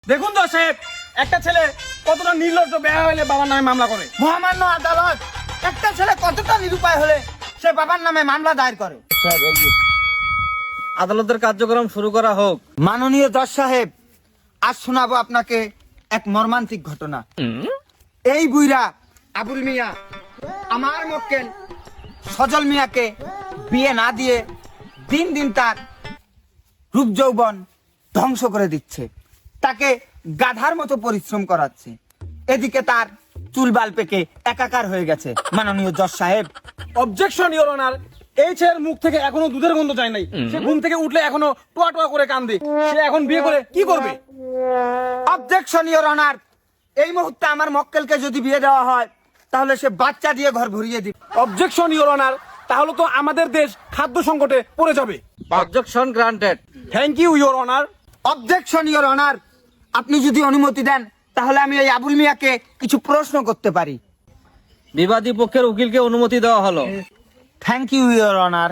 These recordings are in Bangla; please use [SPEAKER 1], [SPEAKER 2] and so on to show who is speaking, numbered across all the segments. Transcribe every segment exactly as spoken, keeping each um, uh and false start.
[SPEAKER 1] দেখুন তো সাহেব, একটা ছেলে কতটা নির্লজ্জ বেহায়া হলে বাবার নামে মামলা করে।
[SPEAKER 2] মহামান্য আদালত, একটা ছেলে কতটা নিরুপায় হলে সে বাবার নামে মামলা দায়ের করে।
[SPEAKER 3] আদালতের কার্যক্রম শুরু করা হোক।
[SPEAKER 2] মাননীয় জজ সাহেব, আজ শোনাবো আপনাকে এক মর্মান্তিক ঘটনা। এই বুইরা আবুল মিয়া আমার মক্কেল সজল মিয়াকে বিয়ে না দিয়ে দিন দিন তার রূপ যৌবন ধ্বংস করে দিচ্ছে, তাকে গাধার মতো পরিশ্রম করাচ্ছে। এদিকে তার চুল বাল পেকে একাকার হয়ে গেছে। মাননীয় জজ সাহেব,
[SPEAKER 1] অবজেকশন ইওর অনার, এই ছেলের মুখ থেকে এখনো দুধের গন্ধ যায় নাই। সে ঘুম থেকে উঠলে এখনো টোয়া টোয়া করে কান্দে। সে এখন বিয়ে করে কি করবে?
[SPEAKER 2] অবজেকশন ইওর অনার, এই মুহূর্তে আমার মক্কেলকে যদি বিয়ে দেওয়া হয় তাহলে সে বাচ্চা দিয়ে ঘর ভরিয়ে দিবে।
[SPEAKER 1] অবজেকশন ইওর অনার, তাহলে তো আমাদের দেশ খাদ্য সংকটে পড়ে যাবে।
[SPEAKER 3] Objection granted.
[SPEAKER 1] Thank you your honour.
[SPEAKER 2] Objection your honour, আপনি যদি অনুমতি দেন তাহলে আমি এই আবুল মিয়াকে কিছু প্রশ্ন করতে পারি।
[SPEAKER 3] বিবাদী পক্ষের উকিলকে অনুমতি দেওয়া হলো।
[SPEAKER 2] Thank you your honour.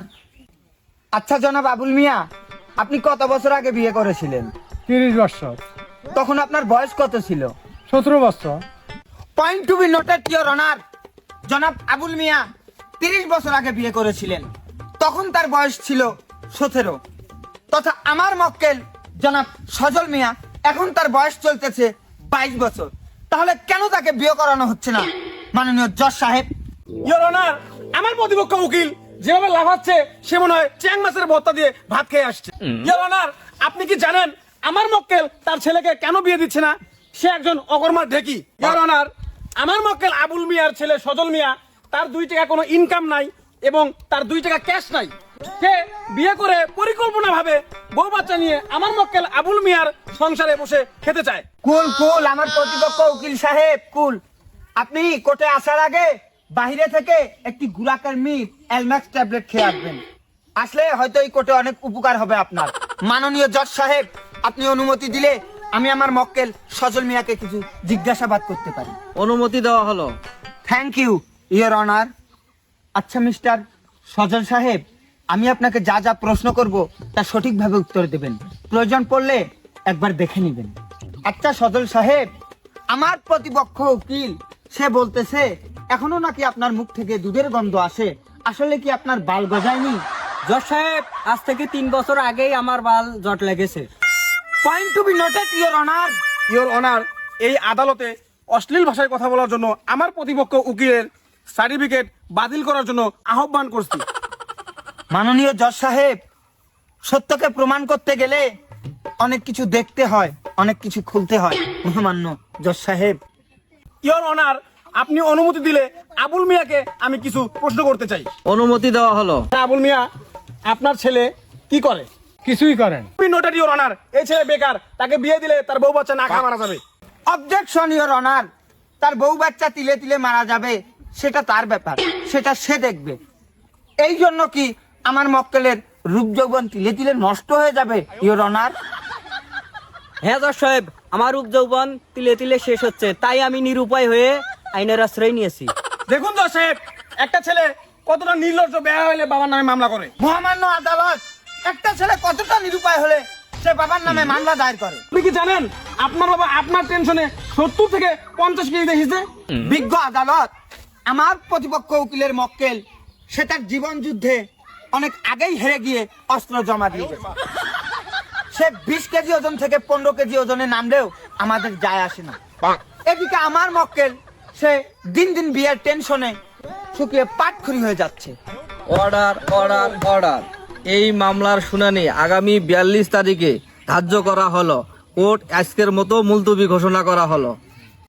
[SPEAKER 2] আচ্ছা জনাব আবুল মিয়া, আপনি কত বছর আগে বিয়ে করেছিলেন?
[SPEAKER 4] তিরিশ বছর।
[SPEAKER 2] তখন আপনার বয়স কত ছিল?
[SPEAKER 4] সতেরো বছর।
[SPEAKER 2] Point to be noted your honour, জনাব আবুল মিয়া তিরিশ বছর আগে বিয়ে করেছিলেন, তখন তার বয়স ছিল সতেরো। তথা আমার মক্কেল জনাব সজল মিয়া এখন তার বয়স চলতেছে বাইশ বছর। তাহলে কেন তাকে বিয়ে করানো হচ্ছে না মাননীয় জজ সাহেব?
[SPEAKER 1] ইওর অনার, আমার প্রতিপক্ষ উকিল যেভাবে লাফাচ্ছে সে মনে হয় চ্যাং মাছের ভর্তা দিয়ে ভাত খেয়ে আসছে। ইওর অনার, আপনি কি জানেন আমার মক্কেল তার ছেলেকে কেন বিয়ে দিচ্ছে না? সে একজন অকর্মার ঢেকি। ইওর অনার, আমার মক্কেল আবুল মিয়ার ছেলে সজল মিয়া, তার দুই টাকা কোনো ইনকাম নাই এবং তার দুই টাকা ক্যাশ নাই। সে বিয়ে করে পরিকল্পনা ভাবে বউ বাচ্চা নিয়ে আমার মক্কেল আবুল মিয়ার সংসারে বসে খেতে চায়।
[SPEAKER 2] কুল কুল আমার প্রতিপক্ষ উকিল সাহেব, কুল। আপনি কোর্টে আসার আগে বাইরে থেকে একটি গুলাকার মিট এলম্যাক্স ট্যাবলেট খেয়ে আসবেন। আসলে হয়তো এই কোর্টে অনেক উপকার হবে আপনার। মাননীয় জজ সাহেব, আপনি অনুমতি দিলে আমি আমার মক্কেল সজল মিয়াকে কিছু জিজ্ঞাসাবাদ করতে পারি।
[SPEAKER 3] অনুমতি দেওয়া হলো।
[SPEAKER 2] Thank you your honour. আচ্ছা মিস্টার সজল সাহেব, আমি আপনাকে যা যা প্রশ্ন করব তা সঠিকভাবে উত্তর দেবেন। প্রয়োজন পড়লে একবার দেখে নেবেন। আচ্ছা সজল সাহেব, আমার প্রতিপক্ষ উকিল সে বলতেছে এখনো নাকি আপনার মুখ থেকে দুধের গন্ধ আসে। আসলে কি আপনার বাল গজায়নি?
[SPEAKER 5] জজ সাহেব, আজ থেকে তিন বছর আগেই আমার বাল জট লেগেছে।
[SPEAKER 2] Point to be noted your honour.
[SPEAKER 1] Your honour, এই আদালতে অশ্লীল ভাষায় কথা বলার জন্য আমার প্রতিপক্ষ উকিলের সার্টিফিকেট বাতিল করার জন্য আহ্বান করছি।
[SPEAKER 2] মাননীয় জজ সাহেব, সত্যকে প্রমাণ করতে গেলে অনেক কিছু দেখতে হয়, অনেক কিছু খুলতে হয়। মহামান্য জজ সাহেব,
[SPEAKER 1] ইওর অনার, আপনি অনুমতি দিলে আবুল মিয়াকে আমি কিছু প্রশ্ন করতে চাই।
[SPEAKER 3] অনুমতি দেওয়া হলো।
[SPEAKER 1] আবুল মিয়া, আপনার ছেলে কি করে?
[SPEAKER 4] কিছুই করেন।
[SPEAKER 1] নোটেড ইওর অনার, এই ছেলে বেকার, তাকে বিয়ে দিলে তার বউ বাচ্চা না খাওয়া মারা যাবে।
[SPEAKER 2] অবজেকশন ইওর অনার, তার বউ বাচ্চা তিলে তিলে মারা যাবে সেটা তার ব্যাপার, সেটা সে দেখবে। এই জন্য কি আমার মক্কেলের রূপ যৌবন তিলে তিলে নষ্ট হয়ে যাবে ইওর অনার?
[SPEAKER 5] হ্যাঁ জজ সাহেব, আমার রূপ যৌবন তিলে তিলে শেষ হচ্ছে, তাই আমি নিরুপায় হয়ে আইনের আশ্রয় নিয়েছি।
[SPEAKER 1] দেখুন তো সাহেব, একটা ছেলে কতটা নির্লজ্জ বেহায়া হলে বাবার নামে মামলা করে।
[SPEAKER 2] মহামান্য আদালত, একটা ছেলে কতটা নিরুপায় হলে সে বাবার নামে মামলা দায়ের করে।
[SPEAKER 1] আপনি কি জানেন আপনার বাবা আপনার টেনশনে সত্তর থেকে পঞ্চাশ কেজি দেখেছে?
[SPEAKER 2] বিজ্ঞ আদালত, আমার প্রতিপক্ষ উকিলের মক্কেল সে তার জীবন যুদ্ধে অনেক আগেই হেরে গিয়ে অস্ত্র জমা দিয়ে গেছে। সে বিশ কেজি ওজন থেকে পনেরো কেজি ওজনে নামলেও আমাদের যায় আসে না। এদিকে আমার মক্কেল সে দিন দিন বিয়ের টেনশনে শুকিয়ে পাটখড়ি হয়ে যাচ্ছে।
[SPEAKER 3] Order order order. এই মামলার শুনানি আগামী বিয়াল্লিশ তারিখে ধার্য করা হলো। কোর্ট আজকের মতো মুলতবি ঘোষণা করা হলো।